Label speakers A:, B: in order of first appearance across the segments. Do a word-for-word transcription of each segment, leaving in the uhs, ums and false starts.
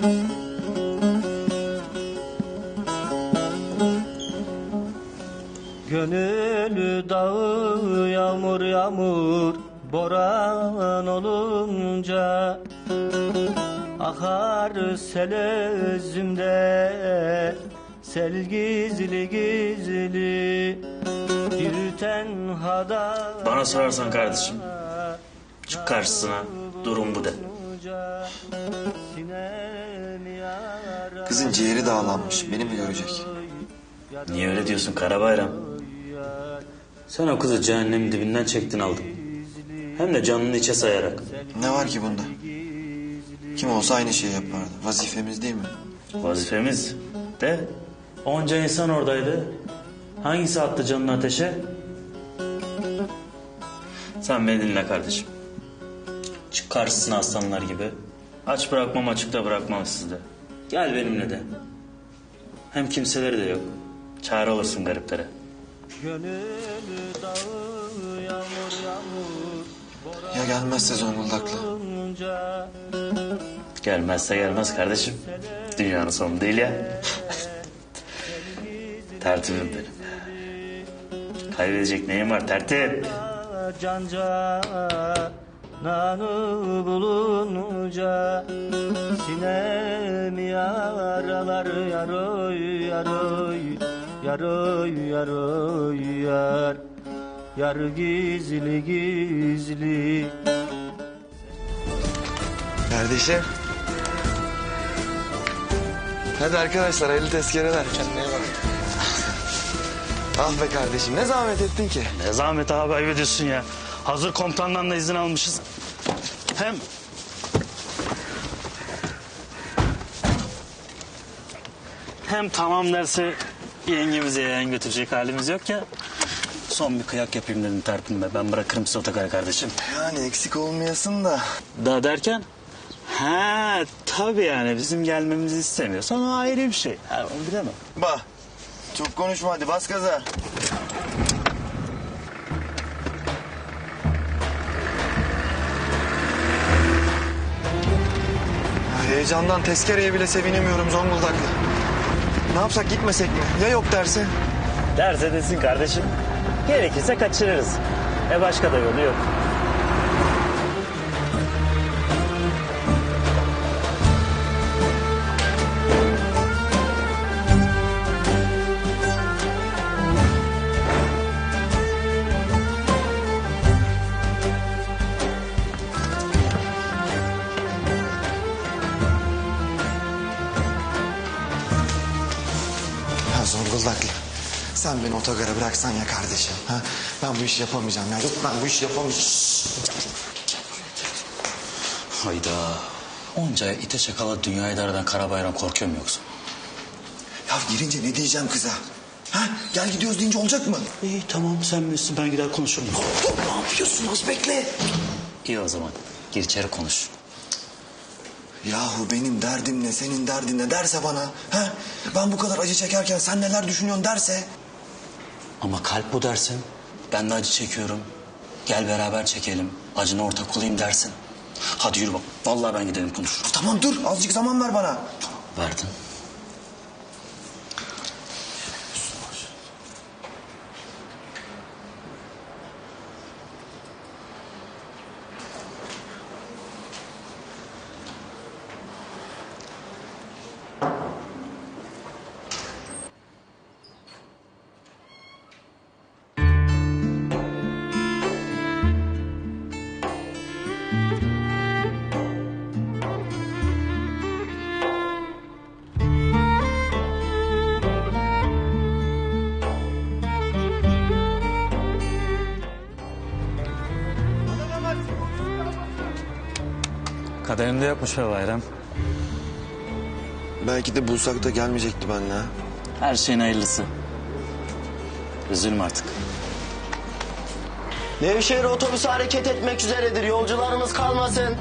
A: Gönül dağı yağmur yağmur boran olunca akar sel özümde, sel gizli gizli bir tenhada.
B: Bana sorarsan kardeşim, çık karşısına, durum bu de.
C: Kızın ciğeri dağlanmış, beni mi görecek?
B: Niye öyle diyorsun Karabayram? Sen o kızı cehennemin dibinden çektin aldın. Hem de canını içe sayarak.
C: Ne var ki bunda? Kim olsa aynı şeyi yapardı. Vazifemiz değil mi?
B: Vazifemiz de onca insan oradaydı. Hangisi attı canını ateşe? Sen beni dinle kardeşim. Çık karşısına aslanlar gibi. Aç bırakmam, açıkta bırakmam sizde. Gel benimle de. Hem kimseleri de yok. Çare olursun gariplere.
C: Ya gelmezse Zonguldaklı?
B: Gelmezse gelmez kardeşim. Dünyanın sonu değil ya. Tertibim benim. Kaybedecek neyim var tertip?
A: Canca nanı bulunca sinem yaralar yaroy yaroy yaroy yaroy yar yar gizli gizli.
C: Kardeşim. Hadi arkadaşlar, hayırlı tezkereler. Kendine bak. Ah be kardeşim, ne zahmet ettin ki?
B: Ne zahmet abi, ayıp ediyorsun ya. Hazır komutandan da izin almışız. Hem... Hem tamam derse yengemize yayan götürecek halimiz yok ya. Son bir kıyak yapayım dedim tertibime. Ben bırakırım size otogara kardeşim.
C: Yani eksik olmayasın da.
B: Daha derken? Ha tabii yani bizim gelmemizi istemiyorsan o ayrı bir şey. Ha, onu bilemem.
C: Bah, çok konuşma hadi, bas gaza. Heyecandan tezkereye bile sevinemiyorum Zonguldaklı. Ne yapsak, gitmesek mi? Ya yok derse?
B: Derse desin kardeşim. Gerekirse kaçırırız. E başka da yolu yok.
C: Zonguldaklı, sen beni otogara bıraksan ya kardeşim. Ha? Ben bu işi yapamayacağım ya. Yok, ben bu işi yapamayacağım.
B: Hayda. Onca ite şakala dünya idareden Karabayram korkuyor mu yoksa?
C: Ya girince ne diyeceğim kıza? Ha? Gel gidiyoruz deyince olacak mı?
B: İyi tamam sen bilirsin, ben gider konuşurum.
C: Dur, ne yapıyorsun, az bekle.
B: İyi o zaman gir içeri konuş.
C: Yahu benim derdim ne, senin derdin ne derse bana. Ha? Ben bu kadar acı çekerken sen neler düşünüyorsun derse.
B: Ama kalp bu dersin. Ben de acı çekiyorum. Gel beraber çekelim. Acına ortak olayım dersin. Hadi yürü bak. Vallahi ben gidelim konuşurum.
C: Tamam dur, azıcık zaman ver bana.
B: Verdin. Kaderinde yapmış be Bayram.
C: Belki de bulsak da gelmeyecekti benimle. Ha?
B: Her şeyin hayırlısı. Üzülme artık.
D: Nevşehir otobüsü hareket etmek üzeredir. Yolcularımız kalmasın.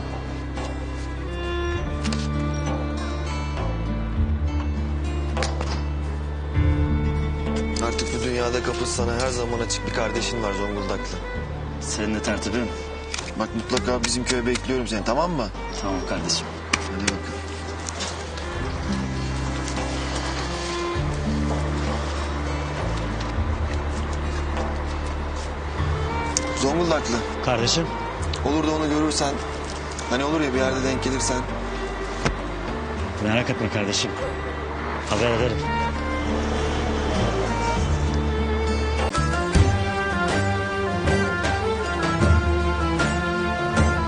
C: Artık bu dünyada kapısı sana her zaman açık bir kardeşin var Zonguldaklı.
B: Senin de tertibin.
C: Bak mutlaka bizim köye bekliyorum seni, tamam mı?
B: Tamam kardeşim.
C: Hadi bakalım. Zonguldaklı.
B: Kardeşim.
C: Olur da onu görürsen, hani olur ya bir yerde denk gelirsen.
B: Merak etme kardeşim. Haber ederim.